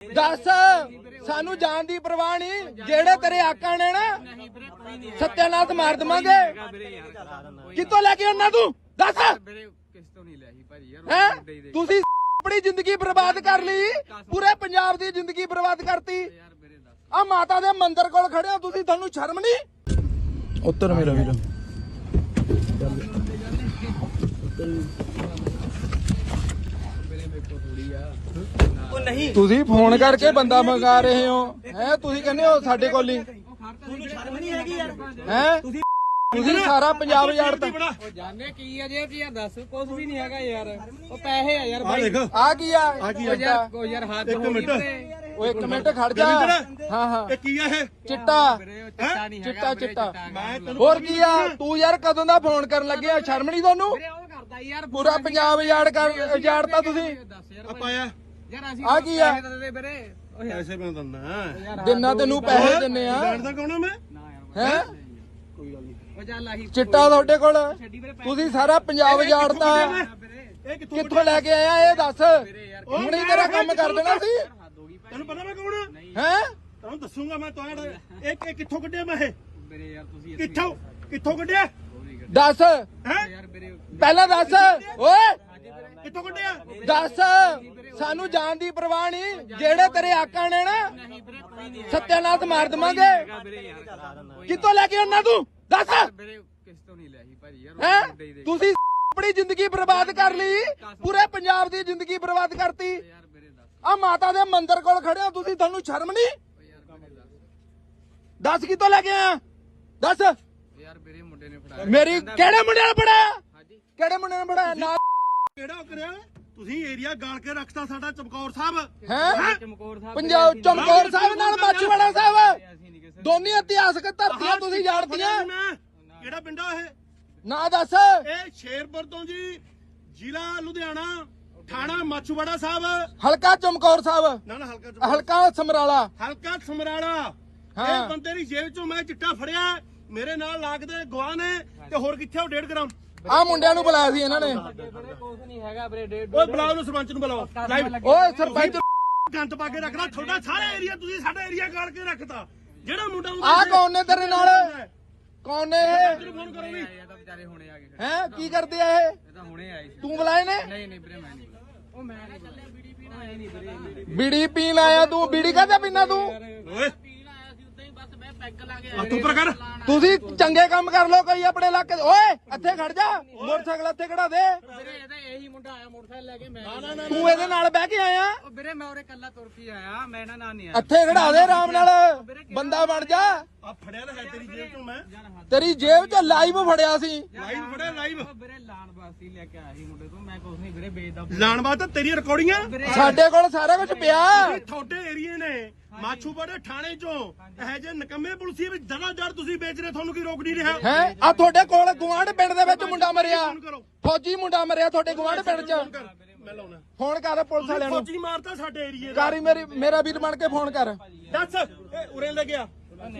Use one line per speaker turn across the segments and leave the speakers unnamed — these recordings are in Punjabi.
ਦੱਸ ਸਾਨੂੰ ਜਾਣ ਦੀ ਪਰਵਾਹ ਨਹੀਂ। ਜਿਹੜੇ ਤੇਰੇ ਆਕਾਂ ਨੇ ਨਾ ਸਤਿਆਨਾਥ ਮਾਰ ਦਵਾਂਗੇ। ਕਿੱਥੋਂ ਲੈ ਕੇ ਆਉਣਾ ਤੂੰ ਦੱਸ। ਹੈ ਤੁਸੀਂ ਆਪਣੀ ਜ਼ਿੰਦਗੀ ਬਰਬਾਦ ਕਰ ਲਈ, ਪੂਰੇ ਪੰਜਾਬ ਦੀ ਜ਼ਿੰਦਗੀ ਬਰਬਾਦ ਕਰਤੀ। ਆ ਮਾਤਾ ਦੇ ਮੰਦਿਰ ਕੋਲ ਖੜੇ ਹੋ ਤੁਸੀਂ, ਤੁਹਾਨੂੰ ਸ਼ਰਮ ਨਹੀਂ? ਉੱਤਰ ਮੇਰਾ ਵੀਰ। ਤੁਸੀਂ ਫੋਨ ਕਰਕੇ ਬੰਦਾ ਮੰਗਾ ਰਹੇ ਹੋ ਹੈ? ਤੁਸੀਂ ਕਹਿੰਦੇ ਹੋ ਸਾਡੇ ਕੋਲ ਹੀ ਹੈ? ਤੁਸੀਂ ਸਾਰਾ ਪੰਜਾਬ ਯਾਰਤਾ।
ਉਹ ਜਾਣੇ ਕੀ ਆ ਜੇ ਕੀ ਆ ਦੱਸ। ਕੁਝ ਵੀ ਨਹੀਂ ਹੈਗਾ ਯਾਰ, ਉਹ ਪੈਸੇ ਆ ਯਾਰ ਬਾਈ।
ਆ ਕੀ ਆ
ਯਾਰ ਹੱਥ ਹੋ ਗਈ ਤੇ
ਉਹ ਇੱਕ ਮਿੰਟ ਖੜ ਜਾ। ਹਾਂ ਹਾਂ
ਇਹ ਕੀ ਆ ਇਹ?
ਚਿੱਟਾ
ਚਿੱਟਾ ਨਹੀਂ
ਚਿੱਟਾ ਚਿੱਟਾ ਹੋਰ ਕੀ ਆ? ਤੂੰ ਯਾਰ ਕਦੋਂ ਦਾ ਫੋਨ ਕਰਨ ਲੱਗਿਆ? ਸ਼ਰਮ ਨਹੀਂ ਤੁਹਾਨੂੰ?
ਕਰਦਾ ਯਾਰ
ਪੂਰਾ ਪੰਜਾਬ ਉਜਾੜਤਾ ਤੁਸੀਂ।
ਪਾਇਆ
ਯਾਰ ਅਸੀਂ
ਆ ਕੀ ਆ?
ਵੀਰੇ
ਪੈਸੇ ਮੈਂ ਦਿੰਦਾ।
ਦਿਨਾਂ ਤੈਨੂੰ ਪੈਸੇ ਦਿੰਨੇ ਆ
ਜਾਣਦਾ ਕੌਣ ਆ ਮੈਂ?
ਹੈ?
ਕੋਈ ਗੱਲ ਨਹੀਂ।
ਉਹ ਚੱਲ ਆਹੀ
ਚਿੱਟਾ ਤੁਹਾਡੇ ਕੋਲ, ਤੁਸੀਂ ਸਾਰਾ ਪੰਜਾਬ ਉਜਾੜਤਾ।
ਇਹ
ਕਿੱਥੋਂ ਲੈ ਕੇ ਆਇਆ ਇਹ ਦੱਸ। ਹੁਣ ਹੀ ਤੇਰਾ ਕੰਮ ਕਰ ਦੇਣਾ ਸੀ।
ਤੈਨੂੰ ਪਤਾ ਮੈਂ ਕੌਣ ਆ?
ਹੈ
ਤੈਨੂੰ ਦੱਸੂਗਾ ਮੈਂ। ਤੁਹਾਡਾ ਇਹ ਕਿੱਥੋਂ ਕੱਢਿਆ ਮੈਂ? ਇਹ
ਵੀਰੇ ਯਾਰ ਤੁਸੀਂ
ਕਿੱਥੋਂ ਕੱਢਿਆ?
ਦੱਸ
ਹੈ
ਯਾਰ ਵੀਰੇ
ਪਹਿਲਾਂ ਦੱਸ ਓਏ।
ਕਿੱਥੋਂ ਕੱਢਿਆ?
ਦੱਸ ਸਾਨੂੰ ਜਾਣ ਦੀ ਪਰਵਾਹ ਨਹੀਂ। ਜਿਹੜੇ ਤੇਰੇ ਆਕਾਂ ਨੇ ਨਾ ਸਤਿਆਨਾਥ ਮਾਰ ਦਵਾਂਗੇ। ਕਿੱਥੋਂ ਲੈ ਕੇ ਆਉਣਾ ਤੂੰ ਦੱਸ।
ਵੀਰੇ ਕਿਸ ਤੋਂ ਨਹੀਂ ਲਿਆ ਸੀ ਭਾਜੀ ਯਾਰ।
ਹੈ ਤੁਸੀਂ ਆਪਣੀ ਜ਼ਿੰਦਗੀ ਬਰਬਾਦ ਕਰ ਲਈ, ਪੂਰੇ ਪੰਜਾਬ ਦੀ ਜ਼ਿੰਦਗੀ ਬਰਬਾਦ ਕਰਤੀ।
ਯਾਰ ਵੀਰੇ ਦੱਸ।
ਆ ਮਾਤਾ ਦੇ ਮੰਦਿਰ ਕੋਲ ਖੜੇ ਹੋ ਤੁਸੀਂ, ਤੁਹਾਨੂੰ ਸ਼ਰਮ ਨਹੀਂ? ਦੱਸ ਕਿੱਥੋਂ ਲੈ ਕੇ ਆਇਆ ਦੱਸ।
ਯਾਰ ਵੀਰੇ ਮੁੰਡੇ ਨੇ ਫੜਾਇਆ
ਮੇਰੀ ਕਿਹੜੇ ਮੁੰਡੇ ਨੇ ਪੜਾਇਆ? ਕਿਹੜੇ ਮੁੰਡੇ ਨੇ ਪੜਾਇਆ? ਨਾ
ਕਿਹੜਾ ਕਰਿਆ? ਤੁਸੀਂ ਏਰੀਆ ਗਾਲ ਕੇ ਰੱਖਤਾ ਸਾਡਾ ਚਮਕੌਰ ਸਾਹਿਬ।
ਹੈ
ਚਮਕੌਰ ਸਾਹਿਬ
ਪੰਜਾਬ ਚਮਕੌਰ ਸਾਹਿਬ ਨਾਲ ਮਾਛੀਵਾੜਾ ਸਾਹਿਬ
ਅਸੀਂ ਨਹੀਂ ਕਿਸੇ
ਦੋਨੀ ਇਤਿਹਾਸਕ ਧਰਤੀਆਂ ਤੁਸੀਂ ਜਾਣਦੀਆਂ।
ਕਿਹੜਾ ਪਿੰਡ ਆ ਇਹ?
ਨਾ ਦੱਸ।
ਇਹ ਸ਼ੇਰਪੁਰ ਤੋਂ ਜੀ, ਜ਼ਿਲ੍ਹਾ ਲੁਧਿਆਣਾ, ਥਾਣਾ ਮਾਛੀਵਾੜਾ ਸਾਹਿਬ।
ਹਲਕਾ ਚਮਕੌਰ ਸਾਹਿਬ,
ਨਾ ਹਲਕਾ
ਹਲਕਾ ਸਮਰਾਲਾ।
ਹਲਕਾ ਸਮਰਾਲਾ।
ਹਾਂ।
ਇਹ ਬੰਦੇ ਦੀ ਜੇਬ ਚੋਂ ਮੈਂ ਚਿੱਟਾ ਫੜਿਆ। ਮੇਰੇ ਨਾਲ ਲੱਗਦੇ ਗਵਾਹ ਨੇ ਤੇ ਹੋਰ ਕਿੱਥੇ ਉਹ 1.5 ਗ੍ਰਾਮ।
ਆ ਮੁੰਡਿਆਂ ਨੂੰ ਬੁਲਾਇਆ ਸੀ ਇਹਨਾਂ ਨੇ।
ਵੀਰੇ ਕੁਝ ਨਹੀਂ ਹੈਗਾ ਵੀਰੇ। ਡੇਢ
ਓਏ ਬੁਲਾਓ ਨੂੰ, ਸਰਪੰਚ ਨੂੰ ਬੁਲਾਓ। ਲਾਈਵ
ਓਏ ਸਰਪੰਚ
ਗੰਦ ਪਾ ਕੇ ਰੱਖਦਾ ਤੁਹਾਡਾ ਸਾਰਾ ਏਰੀਆ। ਤੁਸੀਂ ਸਾਡਾ ਏਰੀਆ ਗਾਲ ਕੇ ਰੱਖਤਾ। ਜਿਹੜਾ ਮੁੰਡਾ
ਆ ਕੌਣ ਨੇ ਤੇਰੇ ਨਾਲ? ਕੌਣ ਨੇ ਇਹ?
ਫੋਨ ਕਰੋ ਵੀ।
ਇਹ ਤਾਂ ਵਿਚਾਰੇ ਹੁਣੇ ਆ ਗਏ।
ਹੈ ਕੀ ਕਰਦੇ ਆ ਇਹ?
ਇਹ ਤਾਂ ਹੁਣੇ ਆਏ ਸੀ।
ਤੂੰ ਬੁਲਾਏ ਨੇ?
ਨਹੀਂ ਨਹੀਂ ਵੀਰੇ ਮੈਂ ਨਹੀਂ ਬੁਲਾਇਆ। ਉਹ ਮੈਂ ਨਹੀਂ ਬੁਲਾਇਆ। ਬੀੜੀ ਪੀਣਾ ਆਏ ਨਹੀਂ ਵੀਰੇ।
ਬੀੜੀ ਪੀਣ ਆਇਆ ਤੂੰ? ਬੀੜੀ ਕਾਹਦਾ ਪੀਣਾ ਤੂੰ?
ਓਏ
ਪੀਣ ਆਇਆ ਸੀ ਉਦਾਂ ਹੀ, ਬਸ ਮੈਂ ਪੈਗ ਲਾ ਕੇ
ਹੱਥ ਉੱਪਰ ਕਰ।
ਤੁਸੀਂ ਚੰਗੇ ਕੰਮ ਕਰ ਲੋ ਕੋਈ ਆਪਣੇ ਇਲਾਕੇ 'ਚ। ਓਏ ਇੱਥੇ ਖੜ ਜਾ, ਮੋਟਰਸਾਈਕਲ ਇੱਥੇ ਖੜਾ ਦੇ।
ਵੀਰੇ ਇਹਦਾ ਇਹੀ ਮੁੰਡਾ ਆਇਆ ਮੋਟਰਸਾਈਕਲ ਲੈ ਕੇ। ਮੈਂ
ਤੂੰ ਇਹਦੇ ਨਾਲ ਬਹਿ ਕੇ ਆਇਆ?
ਉਹ ਵੀਰੇ ਮੈਂ ਉਰੇ ਕੱਲਾ ਤੁਰ ਕੇ ਆਇਆ। ਮੈਂ ਨਾ ਨਹੀਂ ਆਇਆ।
ਇੱਥੇ ਖੜਾ ਦੇ ਆਰਾਮ ਨਾਲ, ਬੰਦਾ ਬਣ ਜਾ।
ਆ ਫੜਿਆ ਤਾਂ ਹੈ ਤੇਰੀ ਜੇਬ ਚੋਂ ਮੈਂ।
ਤੇਰੀ ਜੇਬ 'ਚ ਲਾਈਵ ਫੜਿਆ ਸੀ।
ਲਾਈਵ ਫੜਿਆ ਲਾਈਵ।
ਉਹ ਵੀਰੇ ਲਾਣ ਵਾਸਤੇ ਲੈ ਕੇ ਆਇਆ ਸੀ ਮੁੰਡੇ ਤੋਂ। ਮੈਂ ਕੁਝ ਨਹੀਂ ਵੀਰੇ ਵੇਚਦਾ।
ਲਾਣ ਬਾਤ ਤੇਰੀ ਰਿਕਾਰਡਿੰਗਾਂ
ਸਾਡੇ ਕੋਲ ਸਾਰਾ ਕੁਝ ਪਿਆ।
ਤੁਹਾਡੇ ਏਰੀਏ ਨੇ ਮਾਛੂਵਾੜੇ ਥਾਣੇ ਚੋਂ ਇਹ ਜੇ ਨਕਮੇ ਪੁਲਸੀ ਵਿੱਚ ਦੜਾ ਤੁਸੀਂ ਵੇਚ ਰਹੇ। ਤੁਹਾਨੂੰ ਕੀ ਰੋਕ ਨਹੀਂ ਰਿਹਾ?
ਹੈ ਆ ਤੁਹਾਡੇ ਕੋਲ ਗੁਆਂਢ ਪਿੰਡ ਦੇ ਵਿੱਚ ਮੁੰਡਾ ਮਰਿਆ, ਫੌਜੀ ਮੁੰਡਾ ਮਰਿਆ ਤੁਹਾਡੇ ਗੁਆਂਢ ਪਿੰਡ 'ਚ।
ਮੈਂ ਲਾਉਣਾ
ਫੋਨ ਕਰ ਪੁਲਿਸ ਵਾਲਿਆਂ ਨੂੰ।
ਫੌਜੀ ਮਾਰਤਾ ਸਾਡੇ ਏਰੀਏ ਦਾ।
ਕਾਰੀ ਮੇਰਾ ਵੀਰ ਬਣ ਕੇ ਫੋਨ ਕਰ।
ਦੱਸ ਇਹ ਉਰੇ ਲੈ ਗਿਆ।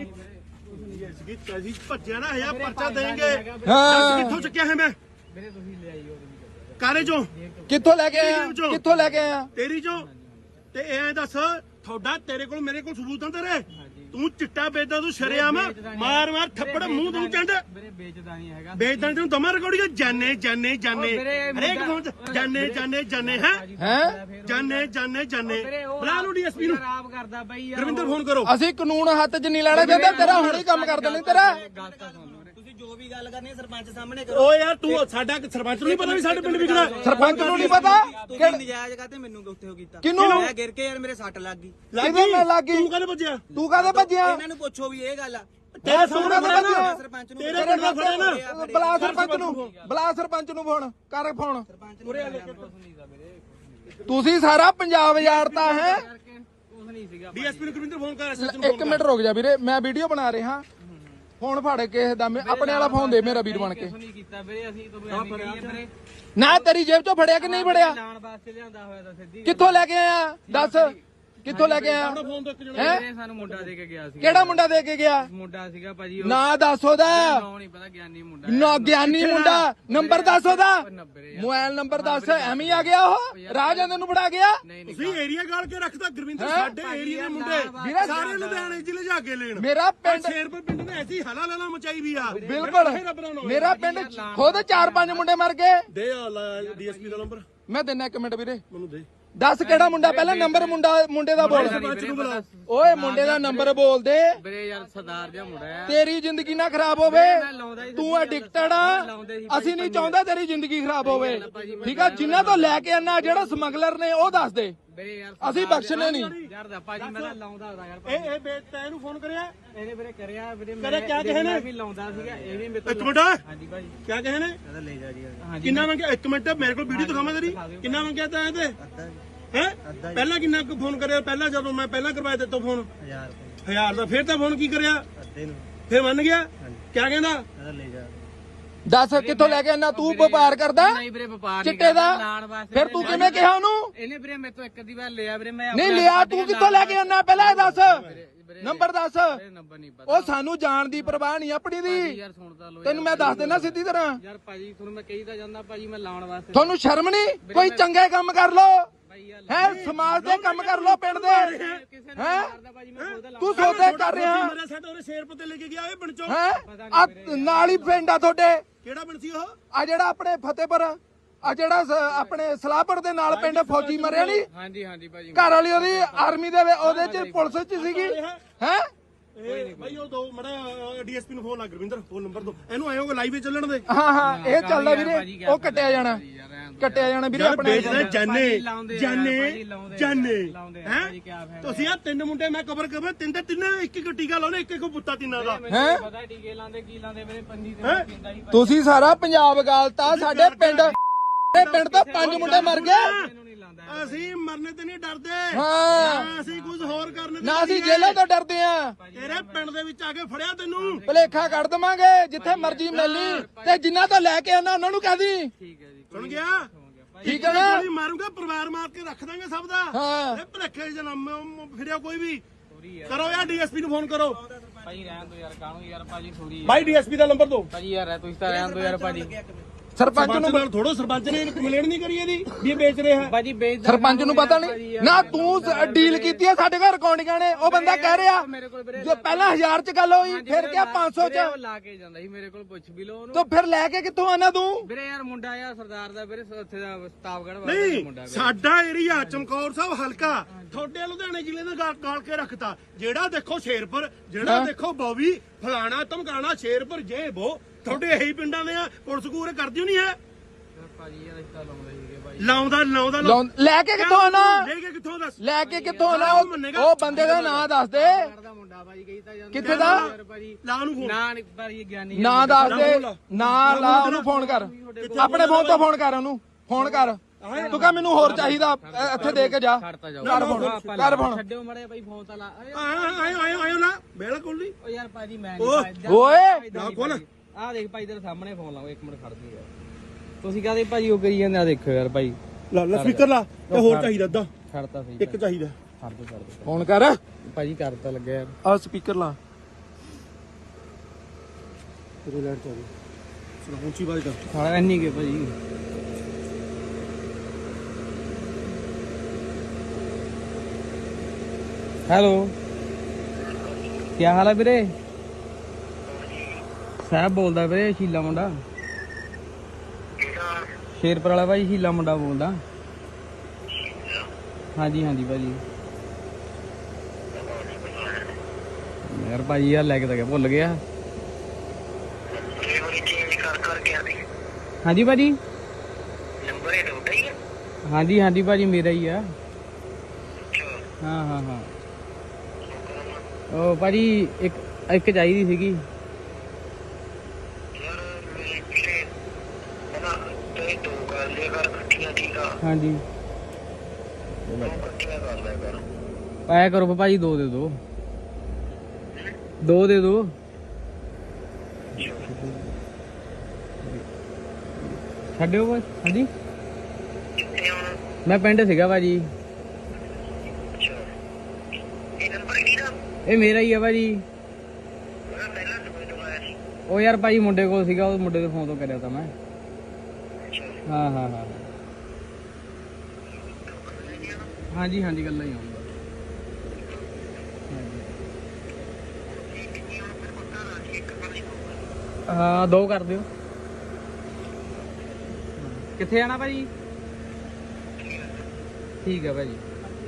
ਅਸੀਂ ਭੱਜਿਆ ਨਾ ਹਜ਼ਾਰ ਪਰਚਾ ਦੇਂਗੇ।
ਹਾਂ
ਕਿੱਥੋਂ ਚੱਕਿਆ ਹੈ ਮੈਂ?
ਵੀਰੇ ਤੁਸੀਂ ਲੈ ਆਈਓ।
ਕਾਰੇ ਚੋਂ?
ਕਿੱਥੋਂ ਲੈ ਕੇ ਆਇਆ? ਕਿੱਥੋਂ ਲੈ ਕੇ ਆਇਆ?
ਤੇਰੀ ਚੋਂ। ਤੇ ਐਂ ਦੱਸ ਤੁਹਾਡਾ ਤੇਰੇ ਕੋਲ ਮੇਰੇ ਕੋਲ ਸਬੂਤ ਆ ਤੇਰੇ? ਤੂੰ ਚਿੱਟਾ ਵੇਚਦਾ, ਤੂੰ ਸ਼ਰਿਆਮ ਮਾਰ ਮਾਰ ਥੱਪੜ ਮੂੰਹ ਤੂੰ ਚੰਡ।
ਵੀਰੇ ਵੇਚਦਾ ਨਹੀਂ ਹੈਗਾ।
ਵੇਚਦਾ ਤੈਨੂੰ ਦਮਾ ਰਿਕਾਰਡਿੰਗ ਜਾਨੇ ਜਾਨੇ ਜਾਨੇ ਹਰੇਕ ਫੋਨ ਜਾਨੇ ਜਾਨੇ ਜਾਨੇ ਹੈ ਜਾਨੇ ਜਾਨੇ ਜਾਨੇ। ਬੁਲਾ ਲਓ ਡੀਐਸਪੀ ਨੂੰ।
ਖਰਾਬ ਕਰਦਾ ਬਈ ਯਾਰ।
ਰਵਿੰਦਰ ਫੋਨ ਕਰੋ।
ਅਸੀਂ ਕਾਨੂੰਨ ਹੱਥ 'ਚ ਨਹੀਂ ਲੈਣਾ ਚਾਹੁੰਦੇ। ਤੇਰਾ ਹੁਣੇ ਕੰਮ ਕਰ ਦੇਣੇ ਤੇਰਾ।
ਤੁਸੀਂ ਜੋ ਵੀ ਗੱਲ ਕਰਨੀ ਸਰਪੰਚ ਸਾਹਮਣੇ ਕਰੋ।
ਓ ਯਾਰ ਤੂੰ ਸਾਡਾ ਸਰਪੰਚ ਨੂੰ ਨਹੀਂ ਪਤਾ ਵੀ ਸਾਡੇ ਪਿੰਡ ਵਿਕਦਾ?
ਸਰਪੰਚ ਨੂੰ ਨਹੀਂ ਪਤਾ
ਤੁਸੀਂ ਨਜਾਇਜ਼ ਕਾਤੇ ਮੈਨੂੰ ਉੱਥੇ ਹੋ ਕੀਤਾ?
ਕਿਹਨੂੰ?
ਮੈਂ ਗਿਰ ਕੇ ਯਾਰ ਮੇਰੇ ਸੱਟ ਲੱਗ ਗਈ।
ਕਿਹਦੇ ਲੱਗ ਗਈ?
ਤੂੰ ਕਦੇ ਭੱਜਿਆ?
ਤੂੰ ਕਾਹਦੇ ਭੱਜਿਆ?
ਇਹਨਾਂ ਨੂੰ ਪੁੱਛੋ ਵੀ ਇਹ ਗੱਲ ਆ।
ਤੇਰੇ ਸਾਹਮਣੇ ਫੜਿਆ ਨਾ।
ਸਰਪੰਚ ਨੂੰ
ਤੇਰੇ ਪਿੰਡ ਦਾ ਫੜਿਆ ਨਾ।
ਬੁਲਾ ਸਰਪੰਚ ਨੂੰ, ਬੁਲਾ ਸਰਪੰਚ ਨੂੰ ਫੋਨ ਕਰ। ਫੋਨ ਤੁਸੀਂ ਸਾਰਾ ਪੰਜਾਬ ਉਜਾੜਤਾ ਹੈ।
ਕੁਝ ਨਹੀਂ ਸੀਗਾ।
ਡੀਐਸਪੀ ਨੂੰ ਰਵਿੰਦਰ ਫੋਨ ਕਰ। SHO ਨੂੰ
ਇੱਕ ਮਿੰਟ ਰੁਕ ਜਾ ਵੀਰੇ, ਮੈਂ ਵੀਡੀਓ ਬਣਾ ਰਿਹਾ। ਫੋਨ ਫੜ ਕੇ ਦਾ ਆਪਣੇ ਵਾਲਾ ਫੋਨ ਦੇ ਮੇਰਾ ਵੀਰ ਬਣ ਕੇ।
ਕੁਝ ਨਹੀਂ ਕੀਤਾ ਵੀਰੇ। ਅਸੀਂ ਤੁਹਾਨੂੰ ਐਵੇਂ ਕਹੀਏ ਵੀਰੇ।
ਨਾ ਤੇਰੀ ਜੇਬ 'ਚੋਂ ਫੜਿਆ ਕਿ ਨਹੀਂ ਫੜਿਆ?
ਲਾਣ ਵਾਸਤੇ ਲਿਆਂਦਾ ਹੋਇਆ ਤਾਂ ਸਿੱਧੀ।
ਕਿੱਥੋਂ ਲੈ ਕੇ ਆਇਆ ਦੱਸ। ਕਿੱਥੋਂ ਲੈ ਕੇ ਆਇਆ
ਫੋਨ ਤੋਂ ਇੱਕ ਜਣਾ
ਹੈ
ਵੀਰੇ ਸਾਨੂੰ ਮੁੰਡਾ ਦੇ ਕੇ ਗਿਆ ਸੀ
ਕਿਹੜਾ ਮੁੰਡਾ ਦੇ ਕੇ ਗਿਆ
ਮੁੰਡਾ ਸੀਗਾ ਭਾਜੀ
ਨਾਂ ਦੱਸ ਉਹਦਾ
ਨਾਮ ਨਹੀਂ ਪਤਾ ਗਿਆਨੀ ਮੁੰਡਾ
ਨਾ ਗਿਆਨੀ ਮੁੰਡਾ ਨੰਬਰ ਦੱਸ ਉਹਦਾ
90
ਮੋਬਾਈਲ ਨੰਬਰ ਦੱਸ ਐਵੇਂ ਹੀ ਆ ਗਿਆ ਉਹ ਰਾਹ ਜਾਂਦੇ ਨੂੰ ਫੜਾ ਗਿਆ
ਨਹੀਂ ਨਹੀਂ
ਤੁਸੀਂ ਏਰੀਆ ਗਾਲ ਕੇ ਰੱਖਦਾ ਗੁਰਵਿੰਦਰ ਸਾਡੇ ਏਰੀਆ ਦੇ ਮੁੰਡੇ
ਵੀਰੇ
ਸਾਰੇ ਲੁਧਿਆਣੇ ਚ ਲਿਜਾ ਕੇ ਲੈਣ
ਮੇਰਾ ਪਿੰਡ
ਸ਼ੇਰਪੁਰ ਪਿੰਡ ਨੇ ਐਸੀ ਹਲਾ ਲਾਲਾ ਮਚਾਈ ਵੀ ਆ
ਬਿਲਕੁਲ ਮੇਰਾ ਪਿੰਡ ਖੁਦ 4-5 ਮੁੰਡੇ ਮਰ ਗਏ
ਦੇ ਡੀਐਸਪੀ ਦਾ ਨੰਬਰ
ਮੈਂ ਦਿੰਨਾ 1 ਮਿੰਟ ਵੀਰੇ
ਮੈਨੂੰ ਦੇ
ਦੱਸ ਕਿਹੜਾ ਮੁੰਡਾ ਪਹਿਲਾਂ ਨੰਬਰ ਮੁੰਡੇ ਦਾ ਬੋਲ
ਸਰਪੰਚ ਨੂੰ ਬੁਲਾ
ਓਏ ਮੁੰਡੇ ਦਾ ਨੰਬਰ ਬੋਲ ਦੇ
ਵੀਰੇ ਯਾਰ ਸਰਦਾਰ ਜਿਹਾ ਮੁੰਡਾ ਹੈ
ਤੇਰੀ ਜ਼ਿੰਦਗੀ ਨਾ ਖਰਾਬ ਹੋਵੇ
ਲਾਉਂਦਾ ਹੀ
ਤੂੰ ਐਡਿਕਟਡ ਆ ਅਸੀਂ ਨਹੀਂ ਚਾਹੁੰਦੇ ਤੇਰੀ ਜ਼ਿੰਦਗੀ ਖਰਾਬ ਹੋਵੇ ਠੀਕ ਆ ਜਿਨ੍ਹਾਂ ਤੋਂ ਲੈ ਕੇ ਆਣਾ ਜਿਹੜਾ ਸਮਗਲਰ ਨੇ ਉਹ ਦੱਸ ਦੇ
ਵੀਰੇ ਯਾਰ
ਅਸੀਂ ਬਖਸ਼ਣੇ ਨਹੀਂ
ਯਾਰ ਦਾ ਭਾਜੀ ਮੈਂ ਤਾਂ ਲਾਉਂਦਾ ਹੁੰਦਾ ਯਾਰ
ਇਹ ਤੈਨੂੰ ਇਹਨੂੰ ਫੋਨ ਕਰਿਆ
ਇਹਨੇ ਵੀਰੇ ਕਰਿਆ ਵੀਰੇ
ਕਰਿਆ ਕਿਆ ਕਹੇ ਨੇ?
ਵੀ ਲਾਉਂਦਾ ਸੀਗਾ ਇਹ ਵੀ ਮੇਰੇ
ਇੱਕ ਮਿੰਟ
ਹਾਂਜੀ ਭਾਜੀ
ਕਿਆ ਕਹੇ ਨੇ
ਕਹਿੰਦਾ ਲੈ ਜਾ ਜੀ
ਹਾਂਜੀ
ਕਿੰਨਾ ਮੰਗਿਆ ਇੱਕ ਮਿੰਟ ਮੇਰੇ ਕੋਲ ਵੀਡੀਓ ਦਿਖਾਵਾਂ ਤੇਰੀ ਕਿੰਨਾ ਮੰਗਿਆ ਤਾਂ ਇਹ ਤੇ ਹੈ ਪਹਿਲਾਂ ਕਿੰਨਾ ਕੁ ਫੋਨ ਕਰਿਆ ਪਹਿਲਾਂ ਜਦੋਂ ਮੈਂ ਪਹਿਲਾਂ ਕਰਵਾਇਆ ਤੇ ਤੋਂ ਫੋਨ
1000 ਰੁਪਏ
1000 ਦਾ ਫਿਰ ਤਾਂ ਫੋਨ ਕੀ ਕਰਿਆ
ਅੱਧੇ ਨੂੰ
ਫਿਰ ਮੰਨ ਗਿਆ ਕਿਆ ਕਹਿੰਦਾ
ਕਹਿੰਦਾ ਲੈ ਜਾ
ਦੱਸ ਕਿੱਥੋਂ ਲੈ ਕੇ ਆਣਾ ਤੂੰ ਵਪਾਰ ਕਰਦਾ
ਨਹੀਂ ਵੀਰੇ ਵਪਾਰ
ਚਿੱਟੇ ਦਾ
ਲਾਣ ਵਾਸਤੇ
ਫਿਰ ਤੂੰ ਕਿਵੇਂ ਕਿਹਾ ਉਹਨੂੰ
ਇਹਨੇ ਵੀਰੇ ਮੇਰੇ ਤੋਂ ਇੱਕ ਅੱਧੀ ਵਾਰ ਲਿਆ ਵੀਰੇ ਮੈਂ
ਨਹੀਂ ਲਿਆ ਤੂੰ ਕਿੱਥੋਂ ਲੈ ਕੇ ਆਣਾ ਪਹਿਲਾਂ ਇਹ ਦੱਸ ਨੰਬਰ ਦੱਸ
ਨੰਬਰ ਨਹੀਂ ਪਤਾ
ਉਹ ਸਾਨੂੰ ਜਾਣ ਦੀ ਪਰਵਾਹ ਨਹੀਂ ਆਪਣੀ ਦੀ
ਯਾਰ ਸੁਣਦਾ ਲੋ
ਤੈਨੂੰ ਮੈਂ ਦੱਸ ਦੇਣਾ ਸਿੱਧੀ ਤਰ੍ਹਾਂ
ਯਾਰ ਭਾਜੀ ਤੁਹਾਨੂੰ ਮੈਂ ਕਹੀ ਤਾਂ ਜਾਂਦਾ ਭਾਜੀ ਮੈਂ ਲਾਉਣ ਵਾਸਤੇ
ਤੁਹਾਨੂੰ ਸ਼ਰਮ ਨਹੀਂ ਕੋਈ ਚੰਗੇ ਕੰਮ ਕਰ ਲੋ
ਭਾਈ ਯਾਰ
ਹੈ ਸਮਾਜ ਦੇ ਕੰਮ ਕਰ ਲੋ ਪਿੰਡ ਦੇ
ਕਿਸੇ ਨੇ
ਹੈ
ਕਰਦਾ ਭਾਜੀ ਮੈਂ ਖੁਦ
ਤੂੰ ਸੌਦੇ ਕਰ ਰਿਹਾ
ਮੇਰਾ ਸਾਡਾ ਉਹਨੇ ਸ਼ੇਰਪੁਰ ਤੇ ਲੈ ਕੇ ਗਿਆ ਇਹ ਬਣਚੋ
ਹੈ ਨਾਲ ਹੀ ਪਿੰਡ ਆ ਤੁਹਾਡੇ
ਕਿਹੜਾ ਬਣ ਸੀ ਉਹ
ਆ ਜਿਹੜਾ ਆਪਣੇ ਫਤਿਹਪੁਰ ਆ ਜਿਹੜਾ ਆਪਣੇ ਸਲਾਹਪੁਰ ਦੇ ਨਾਲ ਪਿੰਡ ਫੌਜੀ ਮਰਿਆ ਨਹੀਂ
ਹਾਂਜੀ ਹਾਂਜੀ ਭਾਜੀ
ਘਰ ਵਾਲੀ ਉਹਦੀ ਆਰਮੀ ਦੇ ਉਹਦੇ ਚ ਪੁਲਿਸ ਚ ਸੀਗੀ ਹੈ
ਇਹ ਭਾਈ ਉਹ ਦੋ ਮੜਾ ਡੀਐਸਪੀ ਨੂੰ ਫੋਨ ਲਾ ਗੁਰਵਿੰਦਰ ਫੋਨ ਨੰਬਰ ਦੋ ਇਹਨੂੰ ਆਇਓ ਲਾਈਵ ਚੱਲਣ ਦੇ
ਹਾਂ ਹਾਂ ਇਹ ਚੱਲਦਾ ਵੀਰੇ ਉਹ ਕੱਟਿਆ ਜਾਣਾ ਵੀਰੇ ਆਪਣੇ
ਵੇਚਦੇ ਜਾਨੇ ਹੈ
ਕੀ ਫਾਇਦਾ
ਤੁਸੀਂ ਆ ਤਿੰਨ ਮੁੰਡੇ ਮੈਂ ਕਵਰ ਕਰ ਤਿੰਨ ਇੱਕ ਇੱਕ ਟੀਕਾ ਲਾਉਣੇ ਇੱਕ ਇੱਕ ਬੁੱਤਾ ਤਿੰਨਾਂ ਦਾ
ਹੈਂ?
ਪਤਾ ਟੀਕੇ ਲਾਉਂਦੇ ਕੀ ਲਾਉਂਦੇ ਮੇਰੇ ਪੰਜੀ ਤੇ ਮੈਂ ਪੀਂਦਾ ਸੀ
ਤੁਸੀਂ ਸਾਰਾ ਪੰਜਾਬ ਗਾਲਤਾ ਸਾਡੇ ਪਿੰਡ ਤੋਂ 5 ਮੁੰਡੇ ਮਰ ਗਏ
ਮੈਨੂੰ ਨਹੀਂ ਲਾਉਂਦਾ
ਅਸੀਂ ਮਰਨੇ ਤੇ ਨਹੀਂ ਡਰਦੇ
ਹਾਂ
ਨਾ ਅਸੀਂ ਕੁਝ ਹੋਰ ਕਰਨੇ ਤੇ
ਨਾ ਅਸੀਂ ਜੇਲ੍ਹਾਂ ਤੋਂ ਡਰਦੇ ਆ
ਤੇਰੇ ਪਿੰਡ ਦੇ ਵਿੱਚ ਆ ਕੇ ਫੜਿਆ ਤੈਨੂੰ
ਭਲੇਖਾ ਕੱਢ ਦਵਾਂਗੇ ਜਿੱਥੇ ਮਰਜ਼ੀ ਮਿਲੀ ਤੇ ਜਿਨ੍ਹਾਂ ਤੋਂ ਲੈ ਕੇ ਆਣਾ ਉਹਨਾਂ ਨੂੰ ਕਹਦੀ
ਠੀਕ ਹੈ ਜੀ
ਸੁਣ ਗਿਆ
ਠੀਕ ਹੈ ਨਾ
ਗੋਲੀ ਮਾਰੂਗਾ ਪਰਿਵਾਰ ਮਾਰ ਕੇ ਰੱਖ ਦਾਂਗੇ ਸਭ ਦਾ
ਹਾਂ
ਇਹ ਭਲੇਖੇ ਜਨਮ ਫਿਰਿਆ ਕੋਈ ਵੀ ਕਰੋ ਯਾਰ ਡੀਐਸਪੀ ਨੂੰ ਫੋਨ ਕਰੋ
ਭਾਜੀ ਰਹਿਣ ਦੋ ਯਾਰ ਕਾਹਨੂੰ ਯਾਰ ਭਾਜੀ ਥੋੜੀ
ਭਾਈ ਡੀਐਸਪੀ ਦਾ ਨੰਬਰ ਦੋ
ਭਾਜੀ ਯਾਰ ਤੁਸੀਂ ਤਾਂ ਰਹਿਣ ਦੋ ਯਾਰ ਭਾਜੀ
ਸਰਪੰਚ
ਸਰਪੰਚ
ਨੂੰ
ਨਾਲ ਥੋੜੋ ਸਰਪੰਚ ਨੇ ਕੰਪਲੇਂਟ ਨਹੀਂ ਕਰੀ ਇਹਦੀ ਵੀ ਇਹ ਵੇਚ ਰਿਹਾ ਹੈ
ਭਾਜੀ ਵੇਚ
ਸਰਪੰਚ ਨੂੰ ਪਤਾ ਨਹੀਂ ਨਾ ਤੂੰ ਡੀਲ ਕੀਤੀ ਆ ਸਾਡੇ ਘਰ ਰਿਕਾਰਡਿੰਗਾਂ ਨੇ ਉਹ ਬੰਦਾ ਕਹਿ ਰਿਹਾ
ਮੇਰੇ ਕੋਲ ਵੀਰੇ
ਜੋ ਪਹਿਲਾਂ 1000 ਚ ਗੱਲ ਹੋਈ ਫਿਰ ਕਿਹਾ 500 ਚ
ਉਹ ਲਾ ਕੇ ਜਾਂਦਾ ਸੀ ਮੇਰੇ ਕੋਲ ਪੁੱਛ ਵੀ ਲੋ ਉਹਨੂੰ
ਤੂੰ ਫਿਰ ਲੈ ਕੇ ਕਿੱਥੋਂ ਆਣਾ ਤੂੰ
ਵੀਰੇ ਯਾਰ ਮੁੰਡਾ ਆ ਸਰਦਾਰ ਦਾ ਵੀਰੇ ਉੱਥੇ ਦਾ ਸਤਾਵਗੜ ਵਾਲਾ
ਨਹੀਂ
ਮੁੰਡਾ
ਸਾਡਾ ਏਰੀਆ ਚਮਕੌਰ ਸਾਹਿਬ ਹਲਕਾ ਤੁਹਾਡੇ ਲੁਧਿਆਣੇ ਜ਼ਿਲ੍ਹੇ ਦਾ ਗਾਲ ਕੇ ਰੱਖਤਾ ਜਿਹੜਾ ਦੇਖੋ ਸ਼ੇਰਪੁਰ ਜਿਹੜਾ ਦੇਖੋ ਬੌਵੀ ਫਲਾਣਾ ਧਮਕਾਣਾ ਸ਼ੇਰਪੁਰ ਜੇ ਬੋ ਤੁਹਾਡੇ ਇਹੀ ਪਿੰਡਾਂ ਦੇ ਆ ਪੁਲਿਸ ਕੂਰੇ ਕਰਦੀ ਨਹੀਂ ਹੈ
ਭਾਜੀ ਯਾਰ ਰਿਸ਼ਤਾ ਲਾਉਂਦੇ ਸੀਗੇ ਭਾਈ
ਲਾਉਂਦਾ
ਲੈ ਕੇ ਕਿੱਥੋਂ ਆਣਾ
ਲੈ ਕੇ ਕਿੱਥੋਂ ਦੱਸ
ਲੈ ਕੇ ਕਿੱਥੋਂ ਆਣਾ ਉਹ ਬੰਦੇ ਦਾ ਨਾਂ ਦੱਸ ਦੇ
ਦਾ ਮੁੰਡਾ ਭਾਜੀ ਕਹੀ ਤਾਂ ਜਾਂਦਾ
ਕਿੱਥੇ ਦਾ
ਯਾਰ ਭਾਜੀ
ਲਾ ਨੂੰ ਫੋਨ
ਨਾ ਨਹੀਂ ਭਾਜੀ ਗਿਆਨੀ
ਨਾਂ ਦੱਸ ਦੇ ਨਾਂ ਲਾ ਉਹਨੂੰ ਫੋਨ ਕਰ ਆਪਣੇ ਫੋਨ ਤੋਂ ਫੋਨ ਕਰ ਉਹਨੂੰ ਫੋਨ ਕਰ ਤੂੰ ਕਹ ਮੈਨੂੰ ਹੋਰ ਚਾਹੀਦਾ ਇੱਥੇ ਦੇ ਕੇ ਜਾ
ਛੱਡਤਾ ਜਾਓ
ਕਰ ਫੋਨ
ਛੱਡਿਓ ਮੜੇ ਭਾਈ ਫੋਨ ਤਾਂ ਲਾ
ਆਇਓ ਲਾ ਬਿਲਕੁਲ ਨਹੀਂ
ਓ ਯਾਰ ਭਾਜੀ ਮੈਂ
ਓਏ
ਨਾ ਖੋਲ
ਆ ਦੇਖ ਭਾਈ ਤੇਰੇ ਸਾਹਮਣੇ ਫੋਨ ਲਾਓ ਇੱਕ ਮਿੰਟ ਖੜ ਜਾ ਯਾਰ ਤੁਸੀਂ ਕਹਦੇ ਭਾਜੀ ਉਹ ਕਰੀ ਜਾਂਦੇ ਆ ਦੇਖੋ ਯਾਰ ਭਾਈ
ਲਾ ਸਪੀਕਰ ਲਾ ਤੇ ਹੋਰ ਚਾਹੀਦਾ ਅੱਧਾ
ਛੱਡਤਾ ਸਹੀ
ਇੱਕ ਚਾਹੀਦਾ
ਛੱਡ ਦੋ
ਫੋਨ ਕਰ
ਭਾਜੀ ਕਰ ਤਾਂ ਲੱਗਿਆ ਯਾਰ
ਆ ਸਪੀਕਰ ਲਾ
ਤੇਰੇ ਲੈਟ ਚਾਹੀਦੀ ਸੁਣਾ ਉੱਚੀ ਆਵਾਜ਼ ਕਰ
ਸਾਲਾ ਇੰਨੀ ਕੇ ਭਾਜੀ ਹੈਲੋ ਕੀ ਹਾਲ ਹੈ ਵੀਰੇ ਸਾਹਿਬ ਬੋਲਦਾ ਵੀਰੇ ਸ਼ੀਲਾ ਮੁੰਡਾ ਸ਼ੇਰਪੁਰ ਵਾਲਾ ਭਾਈ ਸ਼ੀਲਾ ਮੁੰਡਾ ਬੋਲਦਾ ਹਾਂਜੀ ਹਾਂਜੀ ਭਾਜੀ ਯਾਰ ਭਾਈ ਯਾਰ ਲੈ ਕੇ ਤਾਂ ਗਿਆ ਭੁੱਲ ਗਿਆ ਹਾਂਜੀ ਭਾਜੀ
ਨੰਬਰ ਇਹ ਤੁਹਾਡਾ ਹੀ ਹੈ
ਹਾਂਜੀ ਹਾਂਜੀ ਭਾਜੀ ਮੇਰਾ ਹੀ ਆ ਹਾਂ ਹਾਂ ਹਾਂ ਉਹ ਭਾਜੀ ਇੱਕ ਚਾਹੀਦੀ ਸੀਗੀ
ਯਾਰ ਮੇਰੇ ਪਿੱਛੇ ਬਣਾ ਤੇ ਦੋ ਕਰ ਲਿਆ ਕਰ ਇਕੱਠੀਆਂ ਠੀਕ ਆ
ਹਾਂਜੀ
ਦੋ ਇਕੱਠੀਆਂ ਕਰ ਲਿਆ ਕਰ
ਪਾਇਆ ਕਰੋ ਭਾਜੀ ਦੋ ਦੇ ਦੋ ਦੋ ਦੇ ਦੋ ਛੱਡਿਓ ਬਸ ਹਾਂਜੀ
ਕਿੱਥੇ ਹੁਣ
ਮੈਂ ਪਿੰਡ ਸੀਗਾ ਭਾਜੀ
ਅੱਛਾ ਨੰਬਰ ਕਿਹਦਾ?
ਇਹ ਮੇਰਾ ਹੀ ਆ ਭਾਜੀ।
ਉਹਦਾ ਪਹਿਲਾਂ ਦੂਏ ਤੋਂ ਆਇਆ ਸੀ।
ਉਹ ਯਾਰ ਭਾਜੀ ਮੁੰਡੇ ਕੋਲ ਸੀਗਾ, ਉਹ ਮੁੰਡੇ ਦੇ ਫੋਨ ਤੋਂ ਕਰਿਆ ਤਾਂ ਮੈਂ।
ਅੱਛਾ।
ਹਾਂ ਹਾਂ ਹਾਂ ਹਾਂਜੀ ਹਾਂਜੀ ਗੱਲਾਂ ਹੀ ਆਉਂਦਾ। ਹਾਂ 2 ਕਰ ਦਿਓ। ਕਿੱਥੇ ਜਾਣਾ ਭਾਜੀ? ਠੀਕ ਹੈ ਭਾਜੀ।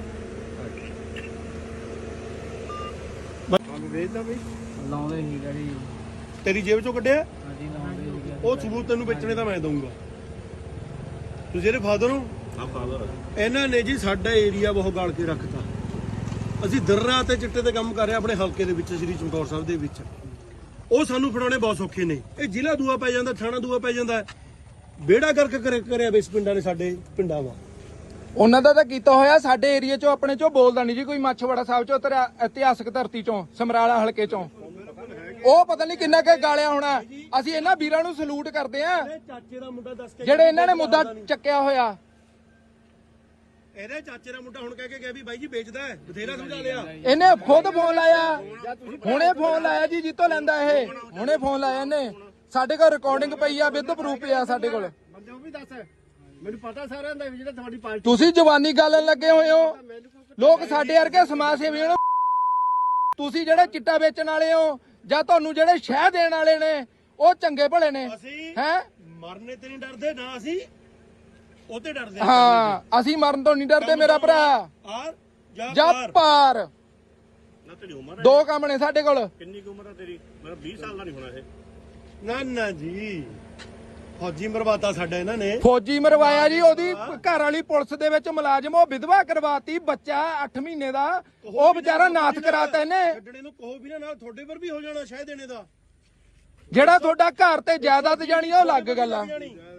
ਵੇਚਦਾ ਬਈ
ਲਾਉਂਦੇ ਹੀ ਗੜੀ।
ਤੇਰੀ ਜੇਬ ਚੋਂ ਕੱਢਿਆ
ਹਾਂਜੀ ਲਾਉਂਦੇ ਹੀ।
ਉਹ ਸਬੂਤ ਤੈਨੂੰ ਵੇਚਣੇ ਦਾ ਮੈਂ ਦਊਂਗਾ। ਤੁਸੀਂ ਇਹਦੇ ਫਾਦਰ ਹੋ? ਹਾਂ ਫਾਦਰ। ਇਹਨਾਂ ਨੇ ਜੀ ਸਾਡਾ ਏਰੀਆ ਬਹੁਤ ਗਾਲ ਕੇ ਰੱਖਤਾ। ਅਸੀਂ ਦਿਨ ਰਾਤ ਤੇ ਚਿੱਟੇ ਤੇ ਕੰਮ ਕਰ ਰਹੇ ਆਪਣੇ ਹਲਕੇ ਦੇ ਵਿੱਚ, ਸ੍ਰੀ ਚਮਕੌਰ ਸਾਹਿਬ ਦੇ ਵਿੱਚ। ਉਹ ਸਾਨੂੰ ਫੜਾਉਣੇ ਬਹੁਤ ਸੌਖੇ ਨੇ। ਇਹ ਜ਼ਿਲ੍ਹਾ ਦੂਆ ਪੈ ਜਾਂਦਾ, ਥਾਣਾ ਦੂਆ ਪੈ ਜਾਂਦਾ। ਬੇੜਾ ਕਰਕੇ ਕਰਿਆ ਇਸ ਪਿੰਡਾਂ ਨੇ, ਸਾਡੇ ਪਿੰਡਾਂ ਵਾ।
ਉਹਨਾਂ ਦਾ ਤਾਂ ਕੀਤਾ ਹੋਇਆ। ਸਾਡੇ ਏਰੀਆ ਚੋਂ ਆਪਣੇ ਚੋਂ ਬੋਲਦਾ ਨਹੀਂ ਜੀ ਕੋਈ। ਮਾਛੀਵਾੜਾ ਸਾਹਿਬ ਚੋਂ ਤੇਰਾ ਇਤਿਹਾਸਕ ਧਰਤੀ ਚੋਂ, ਸਮਰਾਲਾ ਹਲਕੇ ਚੋਂ ਉਹ ਪਤਾ ਨਹੀਂ ਕਿੰਨਾ ਕੁ ਗਾਲਿਆ ਹੋਣਾ। ਅਸੀਂ ਇਹਨਾਂ ਵੀਰਾਂ ਨੂੰ ਸਲੂਟ ਕਰਦੇ ਆ
ਚਾਚੇ ਦਾ ਮੁੰਡਾ ਦੱਸ ਕੇ
ਜਿਹੜੇ ਇਹਨਾਂ ਨੇ ਮੁੱਦਾ ਚੱਕਿਆ ਹੋਇਆ।
ਇਹਦੇ ਚਾਚੇ ਦਾ ਮੁੰਡਾ ਹੁਣ ਕਹਿ ਕੇ ਗਿਆ ਵੀ ਬਾਈ ਜੀ ਵੇਚਦਾ ਹੈ, ਬਥੇਰਾ ਸਮਝਾ ਲਿਆ।
ਇਹਨੇ ਖੁਦ ਫੋਨ ਲਾਇਆ, ਹੁਣੇ ਫੋਨ ਲਾਇਆ ਜੀ ਜਿੱਤੋਂ ਲੈਂਦਾ ਇਹ। ਹੁਣੇ ਫੋਨ ਲਾਇਆ ਇਹਨੇ। ਸਾਡੇ ਕੋਲ ਰਿਕਾਰਡਿੰਗ ਪਈ ਆ, ਵਿਦ ਪ੍ਰੂਫ ਪਿਆ ਸਾਡੇ ਕੋਲ।
ਬੰਦੇ ਵੀ ਦੱਸ, ਮੈਨੂੰ ਪਤਾ ਸਾਰਿਆਂ ਦਾ ਵੀ ਜਿਹੜਾ ਤੁਹਾਡੀ ਪਾਰਟੀ।
ਤੁਸੀਂ ਜਵਾਨੀ ਗਾਲਣ ਲੱਗੇ ਹੋਏ ਹੋ। ਲੋਕ ਸਾਡੇ ਵਰਗੇ ਸਮਾਜ ਸੇਵੀ ਹੋ। ਤੁਸੀਂ ਜਿਹੜੇ ਚਿੱਟਾ ਵੇਚਣ ਵਾਲੇ ਹੋ ਜਾਂ ਤੁਹਾਨੂੰ ਜਿਹੜੇ ਸ਼ਹਿ ਦੇਣ ਵਾਲੇ ਨੇ, ਉਹ ਚੰਗੇ ਭਲੇ ਨੇ
ਅਸੀਂ
ਹੈ।
ਮਰਨੇ ਤੇ ਨਹੀਂ ਡਰਦੇ ਨਾ, ਅਸੀਂ ਉਹਤੇ ਡਰਦੇ
ਹਾਂ ਅਸੀਂ ਮਰਨ ਤੋਂ ਨਹੀਂ ਡਰਦੇ ਮੇਰਾ ਭਰਾ।
ਆਰ
ਜਾਂ ਪਾਰ
ਨਾ ਤੇਰੀ ਉਮਰ
2 ਕੰਮ ਨੇ ਸਾਡੇ ਕੋਲ।
ਕਿੰਨੀ ਕੁ ਉਮਰ ਆ ਤੇਰੀ? ਮੇਰਾ 20 ਸਾਲ ਦਾ ਨਹੀਂ ਹੋਣਾ ਇਹ। ਨਾ ਨਾ ਜੀ, ਫੌਜੀ ਮਰਵਾਤਾ ਸਾਡਾ ਇਹਨਾਂ ਨੇ।
ਫੌਜੀ ਮਰਵਾਇਆ ਜੀ। ਉਹਦੀ ਘਰ ਵਾਲੀ ਪੁਲਿਸ ਦੇ ਵਿੱਚ ਮੁਲਾਜ਼ਮ, ਉਹ ਵਿਧਵਾ ਕਰਵਾਤੀ। ਬੱਚਾ 8 ਮਹੀਨੇ ਦਾ, ਉਹ ਵਿਚਾਰਾ ਨਾਥ ਕਰਾਤਾ ਇਹਨੇ।
ਛੱਡਣੇ ਨੂੰ ਕਹੋ ਵੀ ਨਾ, ਨਾਲ ਤੁਹਾਡੇ ਪਰ ਵੀ ਹੋ ਜਾਣਾ ਸ਼ਾਇਦ ਦੇਣੇ ਦਾ।
ਜਿਹੜਾ ਤੁਹਾਡਾ ਘਰ ਤੇ ਜਾਇਦਾਦ ਜਾਣੀ ਉਹ ਅਲੱਗ ਗੱਲ ਆ।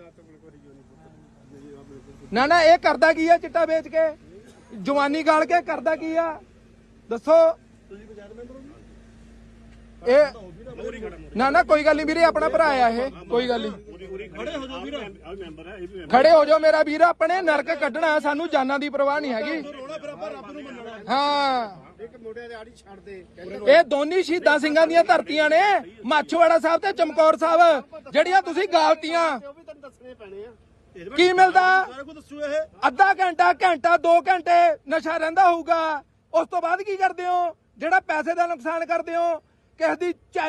ਨਾ ਨਾ ਇਹ ਕਰਦਾ ਕੀ ਆ ਚਿੱਟਾ ਵੇਚ ਕੇ? ਜਵਾਨੀ ਗਾਲ ਕੇ ਕਰਦਾ ਕੀ ਆ ਦੱਸੋ? ਇਹ ਨਾ ਨਾ ਕੋਈ ਗੱਲ ਨਹੀਂ ਵੀਰੇ, ਆਪਣਾ ਭਰਾ ਆ ਇਹ, ਕੋਈ ਗੱਲ ਨਹੀਂ।
ਖੜੇ ਹੋ ਜਾਓ ਵੀਰ।
ਖੜੇ ਹੋ ਜਾਓ ਮੇਰਾ ਵੀਰ। ਆਪਣੇ ਨਰਕ ਕੱਢਣਾ, ਸਾਨੂੰ ਜਾਨਾਂ ਦੀ ਪਰਵਾਹ ਨਹੀਂ ਹੈਗੀ।
ਰੋਣਾ ਫਿਰ ਆਪਾਂ ਰੱਬ ਨੂੰ ਮੰਨਣਾ।
ਹਾਂ
ਇੱਕ ਮੋਢਿਆਂ ਦੇ ਆੜੀ ਛੱਡ ਦੇ।
ਇਹ ਦੋਨੀ ਸ਼ਹੀਦਾਂ ਸਿੰਘਾਂ ਦੀਆਂ ਧਰਤੀਆਂ ਨੇ, ਮਾਛੀਵਾੜਾ ਸਾਹਿਬ ਤੇ ਚਮਕੌਰ ਸਾਹਿਬ, ਜਿਹੜੀਆਂ ਤੁਸੀਂ ਗਾਲਤੀਆਂ।
ਉਹ ਵੀ ਤੈਨੂੰ ਦੱਸਣੇ ਪੈਣੇ ਆ।
ਕੀ ਮਿਲਦਾ?
ਸਾਰਾ ਕੁਝ ਦੱਸੂ ਇਹ।
ਅੱਧਾ ਘੰਟਾ, ਘੰਟਾ, 2 ਘੰਟੇ ਨਸ਼ਾ ਰਹਿੰਦਾ ਹੋਊਗਾ। ਉਸ ਤੋਂ ਬਾਅਦ ਕੀ ਕਰਦੇ ਹੋ? ਜਿਹੜਾ ਪੈਸੇ ਦਾ ਨੁਕਸਾਨ ਕਰਦੇ ਹੋ, ਕਿਸੇ ਦੀ